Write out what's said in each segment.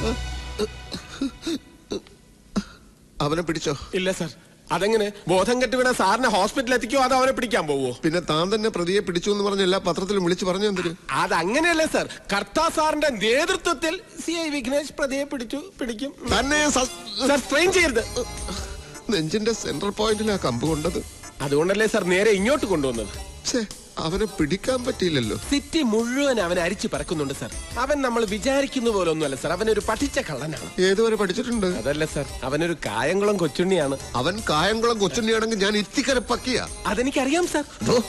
അവനെ പിടിച്ചോ? ഇല്ല സാർ. അതെങ്ങനെ? ബോധം കെട്ട് വീണ സാറിനെ ഹോസ്പിറ്റലിൽ എത്തിക്കോ അതോ അവനെ പിടിക്കാൻ പോവോ? പിന്നെ താൻ തന്നെ പ്രതിയെ പിടിച്ചു എന്ന് പറഞ്ഞ എല്ലാ പത്രത്തിലും വിളിച്ചു പറഞ്ഞു എന്തിന്? അതങ്ങനെയല്ലേ സാർ. കർത്താ സാറിന്റെ നേതൃത്വത്തിൽ CI വിഘ്നേഷ് പ്രതിയെ പിടിക്കും. തന്നെ സാർ സ്ട്രെയിൻ ചെയ്യരുത്. നെഞ്ചിന്റെ സെൻട്രൽ പോയിന്റിലാ കമ്പ് കൊണ്ടത്. അതുകൊണ്ടല്ലേ സാർ നേരെ ഇങ്ങോട്ട് കൊണ്ടുവന്നത്. അവനെ പിടിക്കാൻ പറ്റിയില്ലല്ലോ. സിറ്റി മുഴുവൻ അവനെ അരിച്ചു പറക്കുന്നുണ്ട് സാർ. അവൻ നമ്മൾ വിചാരിക്കുന്ന പോലെ ഒന്നുമല്ല സാർ. അവനൊരു പഠിച്ച കള്ളനാണ്. ഏതുവരെ പഠിച്ചിട്ടുണ്ട്? അതല്ല സാർ, അവനൊരു കായംകുളം കൊച്ചുണ്ണിയാണ്. അവൻ കായംകുളം കൊച്ചുണ്ണിയാണെങ്കിൽ ഞാൻ ഇത്തിക്കരപ്പക്കിയ. അതെനിക്കറിയാം സാർ.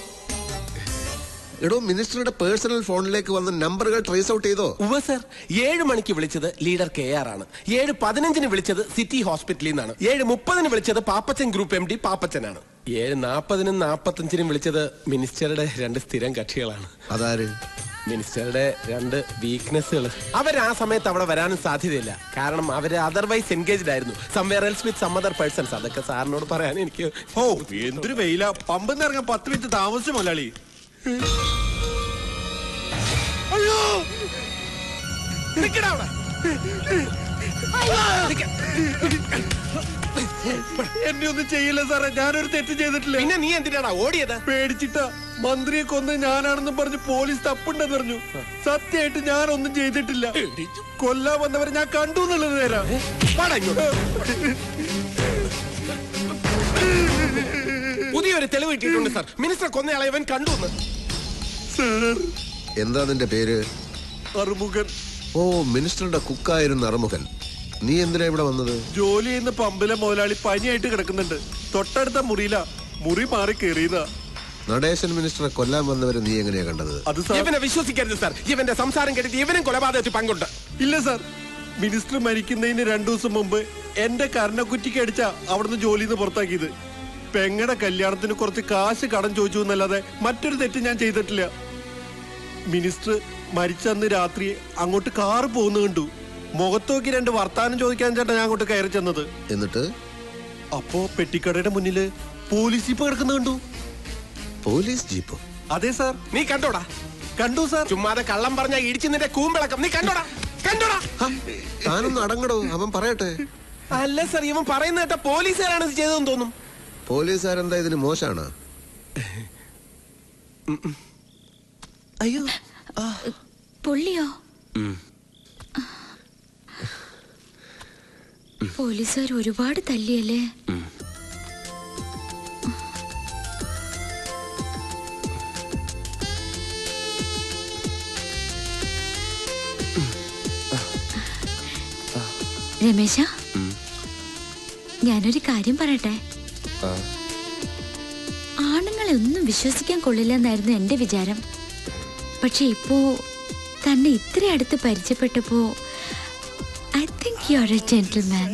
എടോ, മിനിസ്റ്ററുടെ പേഴ്സണൽ ഫോണിലേക്ക് വന്ന നമ്പറുകൾ ട്രേസ് ഔട്ട് ചെയ്തോ? ഉവ്വ് സാർ. 7 മണിക്ക് വിളിച്ചത് ലീഡർ KR ആണ്. 7:15 വിളിച്ചത് സിറ്റി ഹോസ്പിറ്റലിൽ നിന്നാണ്. 7:30 വിളിച്ചത് പാപ്പച്ചൻ ഗ്രൂപ്പ് MD പാപ്പച്ചനാണ്. 7:40 45 വിളിച്ചത് മിനിസ്റ്ററുടെ 2 സ്ഥിരം കക്ഷികളാണ്. അതാര്? മിനിസ്റ്ററുടെ 2 വീക്ക്നെസ്സുകൾ. അവർ ആ സമയത്ത് അവിടെ വരാനും സാധ്യതയില്ല. കാരണം അവര് അതർവൈസ് എൻഗേജ്ഡ് ആയിരുന്നു. Somewhere else with some other persons. അതൊക്കെ സാറിനോട് പറയാൻ എനിക്ക്. എന്തൊരു വെയില. പമ്പെന്ന് ഇറങ്ങാൻ 10 മിനിറ്റ് താമസിച്ചു മലയാളി. അയ്യോ, നിക്കടാ അവിടെ. എന്നെ ഒന്നും ചെയ്യില്ല സാറേ, ഞാനൊരു തെറ്റ് ചെയ്തിട്ടില്ല. പിന്നെ നീ എന്തിനാടാ ഓടിയത്? പേടിച്ചിട്ടാ. മന്ത്രിയെ കൊന്ന് ഞാനാണെന്നും പറഞ്ഞ് പോലീസ് തപ്പുണ്ടെന്ന് പറഞ്ഞു. സത്യമായിട്ട് ഞാനൊന്നും ചെയ്തിട്ടില്ല. കൊല്ലാൻ വന്നവരെ ഞാൻ കണ്ടു എന്നുള്ളത് നേരാ. പുതിയൊരു തെളിവ് കിട്ടിയിട്ടുണ്ട് സാർ. മിനിസ്റ്റർ കൊന്നയാളെ ഇവൻ കണ്ടു. എന്താ നിന്റെ പേര്? അറുമുഖൻ. ഓ, മിനിസ്റ്ററുടെ കുക്കായിരുന്ന അറുമുഖൻ. നീ എന്തിനാ ഇവിടെ വന്നത്? ജോലി ചെയ്യുന്ന പമ്പിലെ മുതലാളി പനിയായിട്ട് കിടക്കുന്നുണ്ട്. തൊട്ടടുത്ത മുറിയില. മുറി മാറി കയറിയതാ. നടേശൻ മിനിസ്റ്ററെ കൊല്ലാൻ വന്നവരെ നീ എങ്ങനെയാ കണ്ടത്? അത് ഇവനെ വിശ്വസിക്കരുത് സാർ. ഇവന്റെ സംസാരം കേട്ടിട്ട് ഇവനും കൊലപാതകത്തിൽ പങ്കുണ്ട്. ഇല്ല സാർ, മിനിസ്റ്റർ മരിക്കുന്നതിന് 2 ദിവസം മുമ്പ് എന്റെ കർണക്കുറ്റിക്ക് അടിച്ച അവിടുന്ന് ജോലിയിൽ നിന്ന് പുറത്താക്കിയത്. പെങ്ങടെ കല്യാണത്തിന് കുറച്ച് കാശ് കടം ചോദിച്ചു എന്നല്ലാതെ മറ്റൊരു തെറ്റ് ഞാൻ ചെയ്തിട്ടില്ല. മിനിസ്റ്റർ മരിച്ചന്ന് രാത്രി അങ്ങോട്ട് കാറ് പോകുന്ന കണ്ടു. മുഖത്തോക്കി 2 വർത്താനം ചോദിക്കാൻ ചേട്ടാ ഞാൻ അങ്ങോട്ട് കയറി ചെന്നത്. എന്നിട്ട് അപ്പോ പെട്ടിക്കടയുടെ മുന്നില് പോലീസ് ജീപ്പ് കിടക്കുന്ന കണ്ടു. പോലീസ് ജീപ്പോ? അതെ സാർ. നീ കണ്ടോടാ? കണ്ടു സാർ. ചുമ്മാതെ കള്ളം പറഞ്ഞ ഇടിച്ചു നിന്റെ കൂമ്പിളക്കം. നീ കണ്ടോടാ? കണ്ടോടാ? താനൊന്ന് അടങ്ങടോ, അവൻ പറയട്ടെ. അല്ല സാർ, ഇവൻ പറയുന്ന കേട്ട പോലീസുകാരാണ് ഇത് ചെയ്തതെന്ന് തോന്നും. പോലീസുകാരെന്താ ഇതിന് മോശാണ്? അയ്യോ, പൊള്ളിയോ? പോലീസുകാർ ഒരുപാട് തല്ലിയല്ലേ? രമേശ, ഞാനൊരു കാര്യം പറയട്ടെ. ആണുങ്ങളെ ഒന്നും വിശ്വസിക്കാൻ കൊള്ളില്ലെന്നായിരുന്നു എന്റെ വിചാരം. പക്ഷെ ഇപ്പോ തന്നെ ഇത്ര അടുത്ത് പരിചയപ്പെട്ടപ്പോ I think you are a gentleman.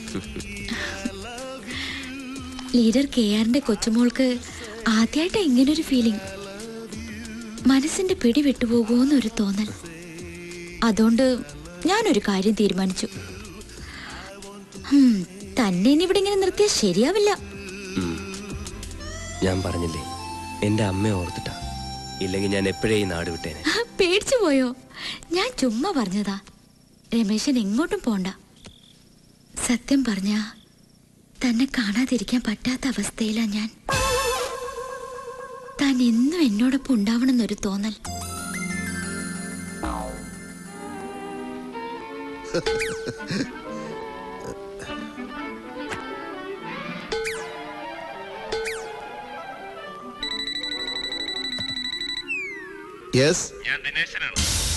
Leader KRന്റെ കൊച്ചുമോൾക്ക് ആദ്യമായിട്ടാ ഇങ്ങനൊരു ഫീലിംഗ്. മനസ്സിന്റെ പിടി വിട്ടുപോകുമെന്നൊരു തോന്നൽ. അതുകൊണ്ട് ഞാനൊരു കാര്യം തീരുമാനിച്ചു. തന്നെ ഇനി ഇവിടെ ഇങ്ങനെ നിർത്തിയാൽ ശരിയാവില്ല. ഞാൻ പറഞ്ഞില്ലേ, എന്റെ അമ്മയെ ഓർത്തിട്ടാ. ഇല്ലെങ്കിൽ ഞാൻ എപ്പോഴേ ഈ നാട് വിട്ടേനെ. പേടിച്ചു പോയോ? ഞാൻ ചുമ്മാ പറഞ്ഞതാ. രമേശൻ എങ്ങോട്ടും പോണ്ട. സത്യം പറഞ്ഞ തന്നെ കാണാതിരിക്കാൻ പറ്റാത്ത അവസ്ഥയിലാ ഞാൻ. താൻ എന്നും എന്നോടൊപ്പം ഉണ്ടാവണമെന്നൊരു തോന്നൽ. ഞാൻ ദിനേശനാണ്.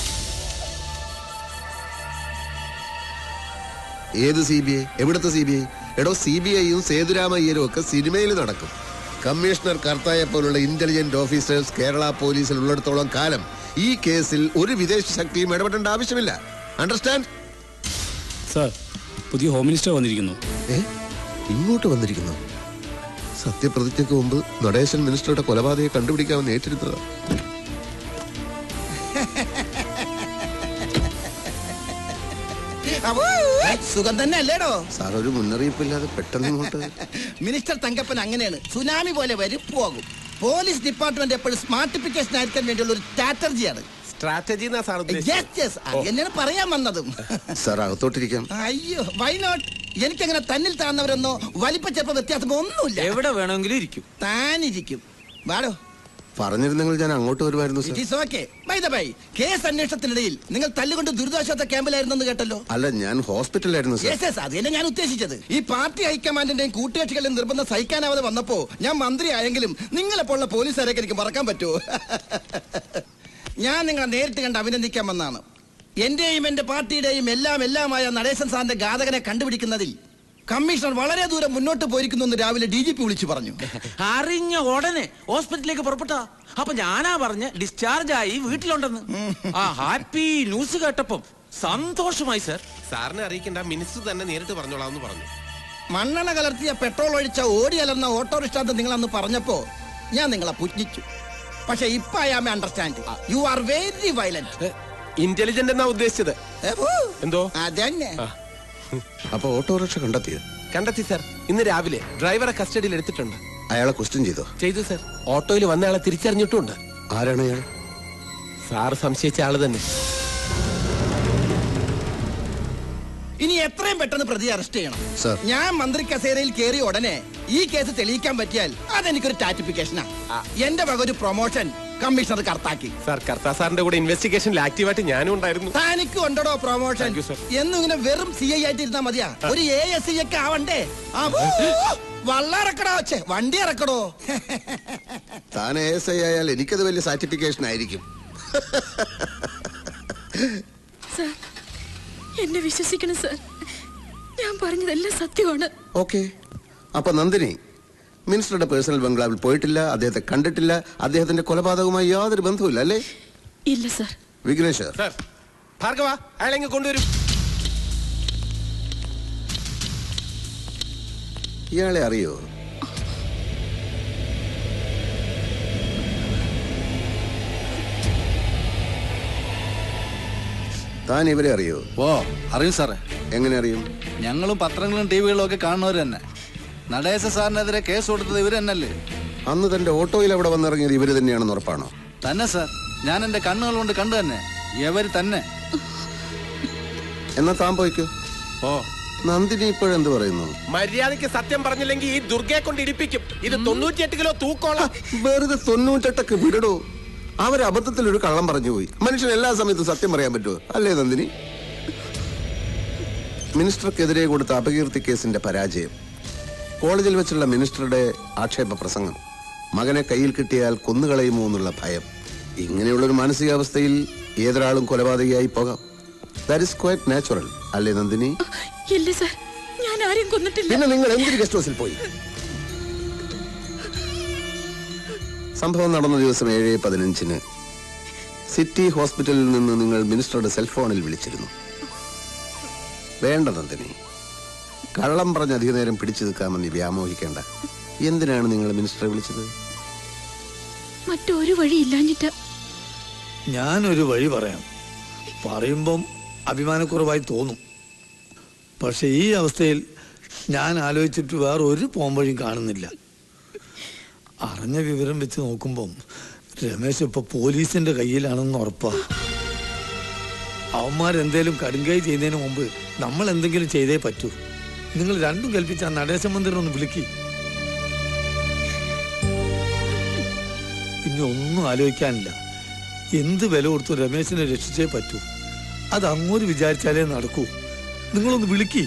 ഏത് CBI? എവിടുത്തെ CBI? എടോ, CBIയും സേതുരാമയ്യരും ഒക്കെ സിനിമയിൽ നടക്കും. കമ്മീഷണർ കർത്തായെ പോലുള്ള ഇന്റലിജന്റ് ഓഫീസേഴ്സ് കേരള പോലീസിൽ ഉള്ളിടത്തോളം കാലം ഈ കേസിൽ ഒരു വിദേശ ശക്തിയും ഇടപെടേണ്ട ആവശ്യമില്ല. അണ്ടർസ്റ്റാൻഡ്? സർ, പുതിയ ഹോം മിനിസ്റ്റർ വന്നിരിക്കുന്നു. ഇങ്ങോട്ട് വന്നിരിക്കുന്നു? സത്യപ്രതിജ്ഞയ്ക്ക് മുമ്പ് നടേശൻ മിനിസ്റ്ററുടെ കൊലപാതകയെ കണ്ടുപിടിക്കാമെന്ന് ഏറ്റെടുത്തത്. സുഖം തന്നെ അല്ലേടോ സാർ? ഒരു മുന്നറിയിപ്പില്ലാതെ പെട്ടെന്ന് ഇങ്ങോട്ട്. മിനിസ്റ്റർ തങ്കപ്പൻ അങ്ങനെയാണ്, സുനാമി പോലെ വരും പോകും. പോലീസ് ഡിപ്പാർട്ട്മെന്റ് എപ്പോഴും സ്മാർട്ടിഫിക്കേഷൻ ആയിരിക്കാൻ വേണ്ടിയുള്ള ഒരു സ്ട്രാറ്റജിയാണ്. സ്ട്രാറ്റജി എന്നാ സാർ എന്നെയാണ് പറയാൻ വന്നതും. സാർ അകത്തോട്ടിരിക്കാം. അയ്യോ വൈ നോട്ട്. എനിക്കങ്ങനെ തന്നിൽ താഴ്ന്നവരെന്നോ വലിപ്പ ചെറുപ്പ വ്യത്യാസമോ ഒന്നുമില്ല. എവിടെ വേണമെങ്കിലും ഇരിക്കും. താനിരിക്കും. വാടോ. പറഞ്ഞിരുന്നെങ്കിൽ ഞാൻ അങ്ങോട്ട് വരുമായിരുന്നു. കേസ് അന്വേഷണത്തിനിടയിൽ നിങ്ങൾ തല്ലുകൊണ്ട് ദുരിതാശ്വാസ ക്യാമ്പിലായിരുന്നെന്ന് കേട്ടല്ലോ. അല്ല, ഞാൻ ഹോസ്പിറ്റലിലായിരുന്നു. അത് തന്നെ ഞാൻ ഉദ്ദേശിച്ചത്. ഈ പാർട്ടി ഹൈക്കമാൻഡിന്റെയും കൂട്ടുകക്ഷികളുടെ നിർബന്ധം സഹിക്കാനാവാതെ വന്നപ്പോ ഞാൻ മന്ത്രി ആയെങ്കിലും നിങ്ങളെപ്പോലുള്ള പോലീസുകാരൊക്കെ എനിക്ക് മറക്കാൻ പറ്റുമോ? ഞാൻ നിങ്ങളെ നേരിട്ട് കണ്ട് അഭിനന്ദിക്കാൻ വന്നാണ്. എന്റെയും എന്റെ പാർട്ടിയുടെയും എല്ലാമായ നടേശൻ സാറിന്റെ ഘാതകനെ കണ്ടുപിടിക്കുന്നതിൽ കമ്മീഷണർ വളരെ ദൂരം മുന്നോട്ട് പോയിരിക്കുന്നു എന്ന് രാവിലെ DGP വിളിച്ചു പറഞ്ഞു. അറിഞ്ഞ ഉടനെ ഹോസ്പിറ്റലിലേക്ക് പുറപ്പെട്ട. അപ്പൊ ഞാനാ പറഞ്ഞ ഡിസ്ചാർജ് ആയി വീട്ടിലുണ്ടെന്ന്. ആ ഹാപ്പി ന്യൂസ് കേട്ടപ്പം സന്തോഷമായി സർ. സാറിനെ അറിയിക്കേണ്ട, മിനിസ്റ്റർ തന്നെ നേരിട്ട് പറഞ്ഞോളാന്ന് പറഞ്ഞു. മണ്ണെണ്ണ കലർത്തിയ പെട്രോൾ ഒഴിച്ച ഓടി അലർന്ന ഓട്ടോറിക്ഷ നിങ്ങൾ അന്ന് പറഞ്ഞപ്പോ ഞാൻ നിങ്ങളെ പുച്ഛിച്ചു. പക്ഷെ ഇപ്പൊ I am understand you are very violent. Intelligent എന്നാ ഉദ്ദേശിച്ചത്. എന്തോ അതന്നെ. അപ്പൊ ഓട്ടോറിക്ഷ കണ്ടെത്തി സാർ. ഇന്ന് രാവിലെ ഡ്രൈവറെ കസ്റ്റഡിയിൽ എടുത്തിട്ടുണ്ട്. അയാളെ ക്വസ്റ്റ്യൻ ചെയ്തു സാർ. ഓട്ടോയിൽ വന്ന ആളെ തിരിച്ചറിഞ്ഞിട്ടുണ്ട്. ആരാണ് അയാൾ? സാർ സംശയിച്ച ആള് തന്നെ. ഇനി എത്രയും പെട്ടെന്ന് പ്രതി അറസ്റ്റ് ചെയ്യണം. ഞാൻ മന്ത്രി കസേരയിൽ കയറി ഉടനെ ഈ കേസ് തെളിയിക്കാൻ പറ്റിയാൽ അതെനിക്കൊരു ടാറ്റിഫിക്കേഷനാ. എന്റെ വക ഒരു പ്രൊമോഷൻ കമ്മീഷണർ കർത്താക്കി. സാർ, കർത്താ സാറിന്റെ കൂടെ ഇൻവെസ്റ്റിഗേഷനിൽ ആക്റ്റീവായിട്ട് ഞാനും ഉണ്ടായിരുന്നു. തനിക്ക് ഉണ്ടോ പ്രൊമോഷൻ? എന്നും ഇങ്ങനെ വെറും CI ആയിട്ട് ഇരുന്നാ മതിയാ? ഒരു ASI ഒക്കെ ആവണ്ടേ? വള്ളറക്കടോ, വണ്ടി ഇറക്കടോ. താൻ ASI ആയാൽ എനിക്കത് വലിയ സർട്ടിഫിക്കേഷൻ ആയിരിക്കും. സാർ, എന്നെ വിശ്വസിക്കണം സാർ. ഞാൻ പറഞ്ഞതെല്ലാം സത്യമാണ്. ഓക്കെ. അപ്പൊ നന്ദിനി മിനിസ്റ്ററുടെ പേഴ്സണൽ ബംഗ്ലാവിൽ പോയിട്ടില്ല, അദ്ദേഹത്തെ കണ്ടിട്ടില്ല, അദ്ദേഹത്തിന്റെ കൊലപാതകവുമായി യാതൊരു ബന്ധവുമില്ല അല്ലേ? ഇല്ല സാർ. വിഘ്നേഷ് സാർ, ഭാർഗവ അയാളെങ്ങ് കൊണ്ടുവരും. ഇയാളെ അറിയോ? താൻ ഇവരെ അറിയോ? ഓ അറിയും സാറേ. എങ്ങനെ അറിയും? ഞങ്ങളും പത്രങ്ങളും ടിവികളും ഒക്കെ കാണുന്നവർ തന്നെ. നടേശ സാറിനെതിരെ കേസ് കൊടുത്തത് ഇവര് തന്നെയല്ലേ? അന്ന് തന്റെ ഓട്ടോയിൽ അവിടെ വന്നിറങ്ങിയത് ഇവര് തന്നെയാണെന്ന് ഉറപ്പാണോ? തന്നെ സാർ, ഞാൻ എന്റെ കണ്ണുകൾ കൊണ്ട് കണ്ടു തന്നെ. ഇവര് തന്നെ. എന്നാ താൻ പോയിക്കോ. ഓ നന്ദിനി ഇപ്പോഴെന്ത് പറയുന്നു? മര്യാദയ്ക്ക് സത്യം പറഞ്ഞില്ലെങ്കിൽ ഈ ദുർഗയെ കൊണ്ട് ഇടിപ്പിക്കും. ഇത് 98 കിലോ തൂക്കോളാം. വെറുതെ 98 വിടടോ. അവരബദ്ധത്തിൽ ഒരു കള്ളം പറഞ്ഞു പോയി. മനുഷ്യൻ എല്ലാ സമയത്തും സത്യം പറയാൻ പറ്റുമോ? അല്ലേ നന്ദിനി? മിനിസ്റ്റർക്കെതിരെ കൊടുത്ത അപകീർത്തി കേസിന്റെ പരാജയം, കോളേജിൽ വെച്ചുള്ള മിനിസ്റ്ററുടെ ആക്ഷേപ പ്രസംഗം, മകനെ കയ്യിൽ കിട്ടിയാൽ കൊന്നുകളയുമോ എന്നുള്ള ഭയം, ഇങ്ങനെയുള്ളൊരു മാനസികാവസ്ഥയിൽ ഏതൊരാളും കൊലപാതകയായി പോകാം. ദാറ്റ് ഈസ് ക്വൈറ്റ് നാച്ചുറൽ അല്ലേ നന്ദിനി? ഇല്ല സർ, ഞാൻ ആരെയും കൊന്നിട്ടില്ല. പിന്നെ നിങ്ങൾ എന്തൊരു ഗസ്റ്റ് ഹൗസിൽ പോയി? സംഭവം നടന്ന ദിവസം 7:15 സിറ്റി ഹോസ്പിറ്റലിൽ നിന്ന് നിങ്ങൾ മിനിസ്റ്ററുടെ സെൽഫോണിൽ വിളിച്ചിരുന്നു. വേണ്ട നന്ദിനി, കള്ളം പറഞ്ഞ് അധിക നേരം പിടിച്ചു നിൽക്കാമെന്ന് വ്യാമോഹിക്കേണ്ട. എന്തിനാണ് നിങ്ങൾ മിനിസ്റ്ററെ വിളിച്ചത്? മറ്റൊരു വഴി ഇല്ലാഞ്ഞിട്ട്. ഞാനൊരു വഴി പറയാം. പറയുമ്പം അഭിമാനക്കുറവായി തോന്നും. പക്ഷെ ഈ അവസ്ഥയിൽ ഞാൻ ആലോചിച്ചിട്ട് വേറെ ഒരു പോംവഴിയും കാണുന്നില്ല. അറിഞ്ഞ വിവരം വെച്ച് നോക്കുമ്പം രമേശ് ഇപ്പൊ പോലീസിന്റെ കയ്യിലാണെന്ന് ഉറപ്പാ. അവന്മാരെന്തേലും കടുങ്കൈ ചെയ്യുന്നതിന് മുമ്പ് നമ്മൾ എന്തെങ്കിലും ചെയ്തേ പറ്റൂ. നിങ്ങൾ രണ്ടും കൽപ്പിച്ച ആ നടേശ മന്ദിരം ഒന്ന് വിളിക്കി. ഇനി ഒന്നും ആലോചിക്കാനില്ല. എന്ത് വില കൊടുത്തു രമേശിനെ രക്ഷിച്ചേ പറ്റൂ. അത് അങ്ങോട്ട് വിചാരിച്ചാലേ നടക്കൂ. നിങ്ങളൊന്ന് വിളിക്കി.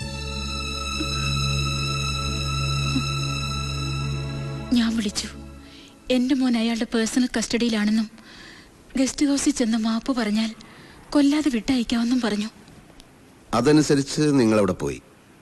ഞാൻ വിളിച്ചു. എന്റെ മോൻ അയാളുടെ പേഴ്സണൽ കസ്റ്റഡിയിലാണെന്നും ഗസ്റ്റ് ഹൗസിൽ ചെന്ന് മാപ്പ് പറഞ്ഞാൽ കൊല്ലാതെ വിട്ടയക്കാമെന്നും പറഞ്ഞു. അതനുസരിച്ച് നിങ്ങൾ അവിടെ പോയി.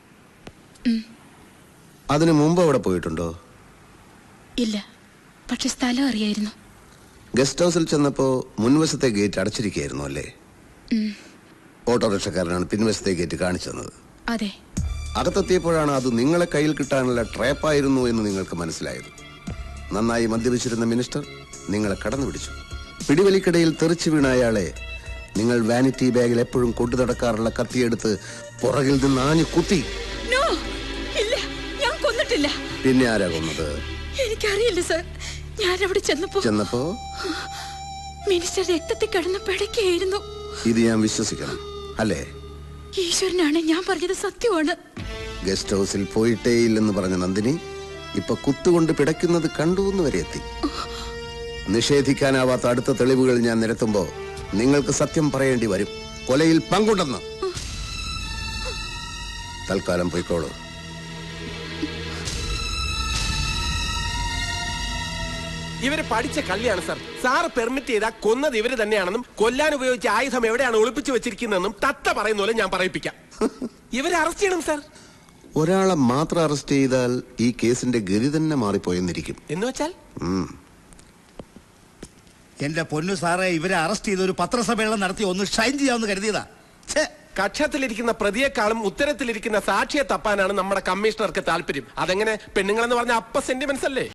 അതിനു മുമ്പ് അവിടെ പോയിട്ടുണ്ടോ? ഇല്ല, പക്ഷെ സ്ഥലം അറിയായിരുന്നു. ഗസ്റ്റ് ഹൗസിൽ ചെന്നപ്പോ മുൻവശത്തെ ഗേറ്റ് അടച്ചിരിക്കുകയായിരുന്നു അല്ലേ? ഓട്ടോറിക്ഷക്കാരനാണ് പിൻവശത്തെ ഗേറ്റ് കാണിച്ചു തന്നത്. അതെ. അകത്തെത്തിയപ്പോഴാണ് അത് നിങ്ങളെ കയ്യിൽ കിട്ടാനുള്ള ട്രാപ്പായിരുന്നു എന്ന് നിങ്ങൾക്ക് മനസ്സിലായത്. നന്നായി മദ്യപിച്ചിരുന്ന മിനിസ്റ്റർ നിങ്ങളെ കടന്നു പിടിച്ചു. പിടിവലിക്കിടയിൽ തെറിച്ചു വീണ അയാളെ നിങ്ങൾ വാനിറ്റി ബാഗിൽ എപ്പോഴും കൊണ്ടു നടക്കാറുള്ള കത്തിയെടുത്ത് പുറകിൽ നിന്ന് ആഞ്ഞു കുത്തി. പിന്നെ ആരാ കൊന്നത്? എനിക്കറിയില്ല സർ. ഞാൻ അവിടെ ചെന്നപ്പോ മിനിസ്റ്റർ രക്തത്തിൽ കിടന്ന് പിടയ്ക്കായിരുന്നു. ഇത് ഞാൻ വിശ്വസിക്കണം അല്ലേ? ഈശ്വരനാണ്, ഞാൻ പറഞ്ഞത് സത്യമാണ്. ഗസ്റ്റ് ഹൗസിൽ പോയിട്ടേ ഇല്ലെന്ന് പറഞ്ഞ നന്ദിനി ഇപ്പൊ കുത്തുകൊണ്ട് പിടയ്ക്കുന്നത് കണ്ടു എന്ന് വരെ എത്തി. നിഷേധിക്കാനാവാത്ത അടുത്ത തെളിവുകൾ ഞാൻ നിരത്തുമ്പോ നിങ്ങൾക്ക് സത്യം പറയേണ്ടി വരും. കൊലയിൽ പങ്കുണ്ടെന്ന്. തൽക്കാലം പോയിക്കോളൂ. ഇവര് പഠിച്ച കള്ളിയാണ് സാർ. സാറ് പെർമിറ്റ് ചെയ്താൽ കൊന്നത് ഇവര് തന്നെയാണെന്നും കൊല്ലാൻ ഉപയോഗിച്ച ആയുധം എവിടെയാണ് ഒളിപ്പിച്ചു വെച്ചിരിക്കുന്നതെന്നും തത്ത പറയുന്ന പോലെ ഞാൻ പറയിപ്പിക്കാം. ഇവരെ അറസ്റ്റ് ചെയ്യണം സാർ. ഒരാളെ മാത്രം അറസ്റ്റ് ചെയ്താൽ ഈ കേസിന്റെ ഗതി തന്നെ മാറിപ്പോയെന്നിരിക്കും. എന്ന് വെച്ചാൽ എന്റെ പൊന്നു സാറേ, ഇവരെ അറസ്റ്റ് ചെയ്ത് ഒരു പത്രസമ്മേളനം നടത്തി ഒന്ന് ഷൈൻ ചെയ്യാമെന്ന് കരുതിയതാ. കക്ഷത്തിലിരിക്കുന്ന പ്രതിയെക്കാളും ഉത്തരത്തിലിരിക്കുന്ന സാക്ഷിയെ തപ്പാനാണ് നമ്മുടെ കമ്മീഷണർക്ക് താല്പര്യം. അതെങ്ങനെ? പെണ്ണുങ്ങളെന്ന് പറഞ്ഞ അപ്പ സെന്റിമെന്റ്സ് അല്ലേ?